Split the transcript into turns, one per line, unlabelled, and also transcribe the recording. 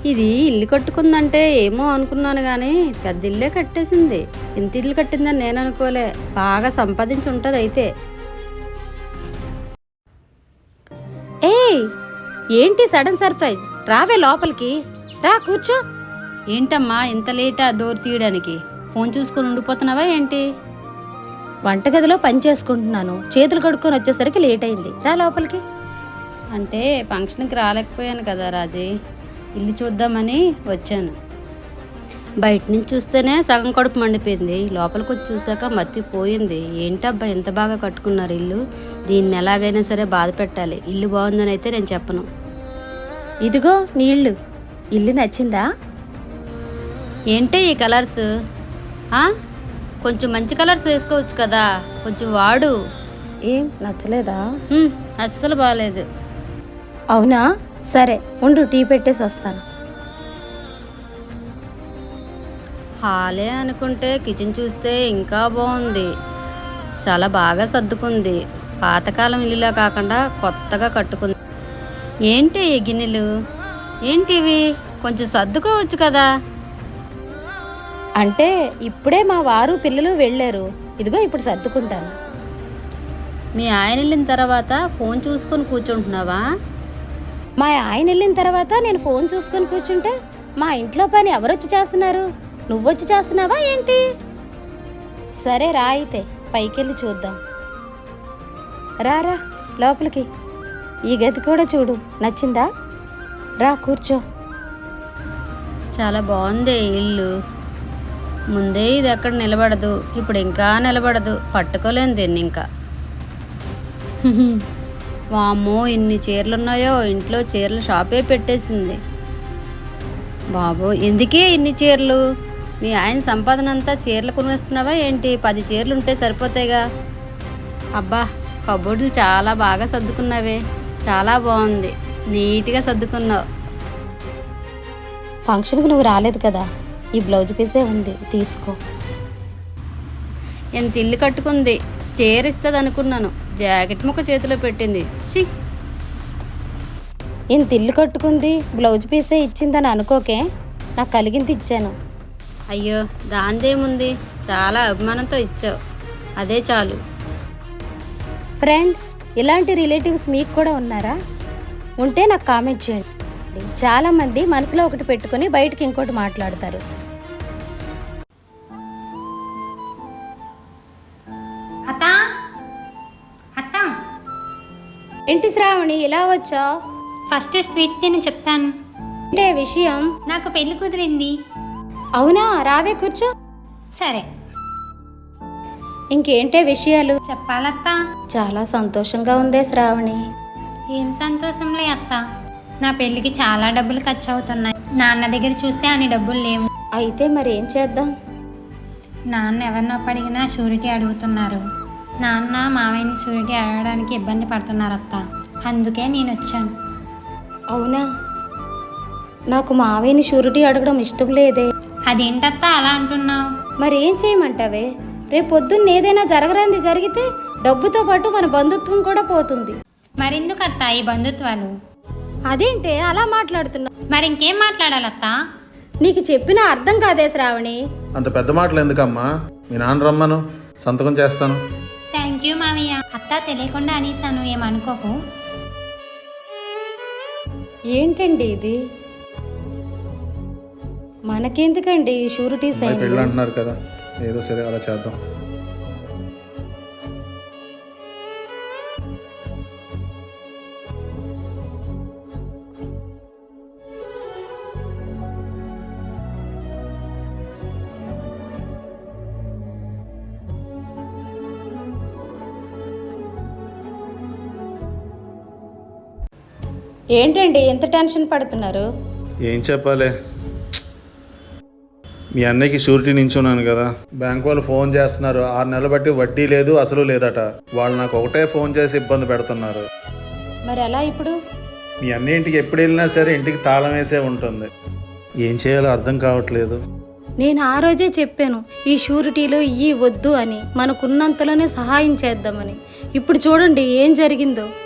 ఇది ఇల్లు కట్టుకుందంటే ఏమో అనుకున్నాను కానీ పెద్ద ఇల్లే కట్టేసింది. ఇంత ఇల్లు కట్టిందని నేను అనుకోలే. బాగా సంపాదించి ఉంటుంది అయితే. ఏయ్, ఏంటి సడన్ సర్ప్రైజ్? రావే లోపలికి రా, కూర్చో. ఏంటమ్మా ఇంత లేటా డోర్ తీయడానికి? ఫోన్ చూసుకొని ఉండిపోతున్నావా ఏంటి? వంటగదిలో పని చేసుకుంటున్నాను, చేతులు కడుక్కొని వచ్చేసరికి లేట్ అయింది. రా లోపలికి. అంటే ఫంక్షన్కి రాలేకపోయాను కదా రాజీ, ఇల్లు చూద్దామని వచ్చాను. బయట నుంచి చూస్తేనే సగం కడుపు మండిపోయింది, లోపలికి వచ్చి చూసాక మత్తిపోయింది. ఏంటబ్బా ఎంత బాగా కట్టుకున్నారు ఇల్లు, దీన్ని ఎలాగైనా సరే బాధ పెట్టాలి. ఇల్లు బాగుందని అయితే నేను చెప్పను. ఇదిగో నీళ్ళు. ఇల్లు నచ్చిందా? ఏంటి ఈ కలర్స్? కొంచెం మంచి కలర్స్ వేసుకోవచ్చు కదా, కొంచెం వాడు. ఏం నచ్చలేదా? అస్సలు బాగాలేదు. అవునా, సరే ఉండు, టీ పెట్టేసి వస్తాను. హాలే అనుకుంటే కిచెన్ చూస్తే ఇంకా బాగుంది, చాలా బాగా సర్దుకుంది. పాతకాలం ఇల్లులా కాకుండా కొత్తగా కట్టుకుంది. ఏంటి ఈ గిన్నెలు ఏంటివి? కొంచెం సర్దుకోవచ్చు కదా. అంటే ఇప్పుడే మా వారు పిల్లలు వెళ్ళారు, ఇదిగో ఇప్పుడు సర్దుకుంటాను. మీ ఆయన వెళ్ళిన తర్వాత ఫోన్ చూసుకొని కూర్చుంటున్నావా? మా ఆయన వెళ్ళిన తర్వాత నేను ఫోన్ చూసుకొని కూర్చుంటే మా ఇంట్లో పని ఎవరొచ్చి చేస్తున్నారు? నువ్వొచ్చి చేస్తున్నావా ఏంటి? సరే రా అయితే పైకెళ్ళి చూద్దాం. రారా లోపలికి. ఈ గది కూడా చూడు, నచ్చిందా? రా కూర్చో. చాలా బాగుంది ఇల్లు. ముందే ఇది ఎక్కడ నిలబడదు, ఇప్పుడు ఇంకా నిలబడదు, పట్టుకోలేను దీన్ని ఇంకా. వామ్మో, ఇన్ని చీరలు ఉన్నాయో, ఇంట్లో చీరల షాపే పెట్టేసింది. బాబు ఎందుకే ఇన్ని చీరలు? మీ ఆయన సంపాదన అంతా చీరలు కొనేస్తున్నావా ఏంటి? 10 చీరలు ఉంటే సరిపోతాయిగా. అబ్బా, కబోర్డులు చాలా బాగా సర్దుకున్నావే, చాలా బాగుంది, నీట్గా సర్దుకున్నావు. ఫంక్షన్కి నువ్వు రాలేదు కదా, ఈ బ్లౌజ్ పీసే ఉంది, తీసుకో. ఎంత ఇల్లు కట్టుకుంది, చీర ఇస్తుంది అనుకున్నాను, జాకెట్ ముక్క చేతిలో పెట్టింది. ఇంత ఇల్లు కట్టుకుంది, బ్లౌజ్ పీసే ఇచ్చిందని అనుకోకే, నాకు కలిగింది ఇచ్చాను. అయ్యో దాందేముంది, చాలా అభిమానంతో ఇచ్చావు, అదే చాలు. ఫ్రెండ్స్, ఇలాంటి రిలేటివ్స్ మీకు కూడా ఉన్నారా? ఉంటే నాకు కామెంట్ చేయండి. చాలామంది మనసులో ఒకటి పెట్టుకుని బయటకి ఇంకోటి మాట్లాడతారు. ఏంటి శ్రావణి ఇలా వచ్చావు?
ఫస్ట్ స్వీట్ తిని చెప్తాను.
అంటే విషయం?
నాకు పెళ్లి కుదిరింది.
అవునా, రావే కూర్చో.
సరే,
ఇంకేంటే విషయాలు?
చెప్పాలత్తా.
చాలా సంతోషంగా ఉందే శ్రావణి.
ఏం సంతోషంలే అత్త, నా పెళ్ళికి చాలా డబ్బులు ఖర్చు అవుతున్నాయి. నాన్న దగ్గర చూస్తే అన్ని డబ్బులు లేవు.
అయితే మరి ఏం చేద్దాం?
నాన్న ఎవరినో అడిగినా షూరిటీ అడుగుతున్నారు. నాన్న మావయ్యని షూరిటీ అడగడానికి ఇబ్బంది పడుతున్నారు అత్త, అందుకే నేను వచ్చాను.
అవునా, నాకు మావయ్యని షూరిటీ అడగడం ఇష్టం లేదే.
అదేంటత్తా అలా అంటున్నావు?
మరి ఏం చేయమంటావే? రేపు పొద్దున్న ఏదైనా జరగరాంది జరిగితే డబ్బుతో పాటు మన బంధుత్వం కూడా పోతుంది.
మరెందుకు అత్త ఈ బంధుత్వాలు?
అదేంటే అలా మాట్లాడుతున్నా?
మరి ఇంకేం మాట్లాడాలత్తా?
నీకు చెప్పినా అర్థం కాదే శ్రావణి.
అంత పెద్ద మాటలు ఎందుకమ్మా, మీ నాన్న రమ్మను, సంతకం చేస్తాను.
థ్యాంక్ యూ మావయ్య. అత్త తెలియకుండా అనేసాను, ఏమనుకోకు.
ఏంటండి ఇది? మనకెందుకండి షూరిటీ సైన్?
పెళ్ళి అంటున్నారు కదా, ఏదో సరే అలా చేద్దాం.
ఏంటండి ఎంత టెన్షన్ పడుతున్నారు?
ఏం చెప్పాలి, మీ అన్నయ్యకి షూరిటీ నించున్నాను కదా, బ్యాంక్ వాళ్ళు ఫోన్ చేస్తున్నారు. 6 నెలలు బట్టి వడ్డీ లేదు, అసలు లేదట. వాళ్ళు నాకు ఒకటే ఫోన్ చేసి ఇబ్బంది పెడుతున్నారు.
మరి ఎలా ఇప్పుడు?
మీ అన్నయ్య ఇంటికి ఎప్పుడు వెళ్ళినా సరే ఇంటికి తాళం వేసే ఉంటుంది. ఏం చేయాలో అర్థం కావట్లేదు.
నేను ఆ రోజే చెప్పాను, ఈ షూరిటీలు ఇవి వద్దు అని, మనకున్నంతలోనే సహాయం చేద్దామని. ఇప్పుడు చూడండి ఏం జరిగిందో.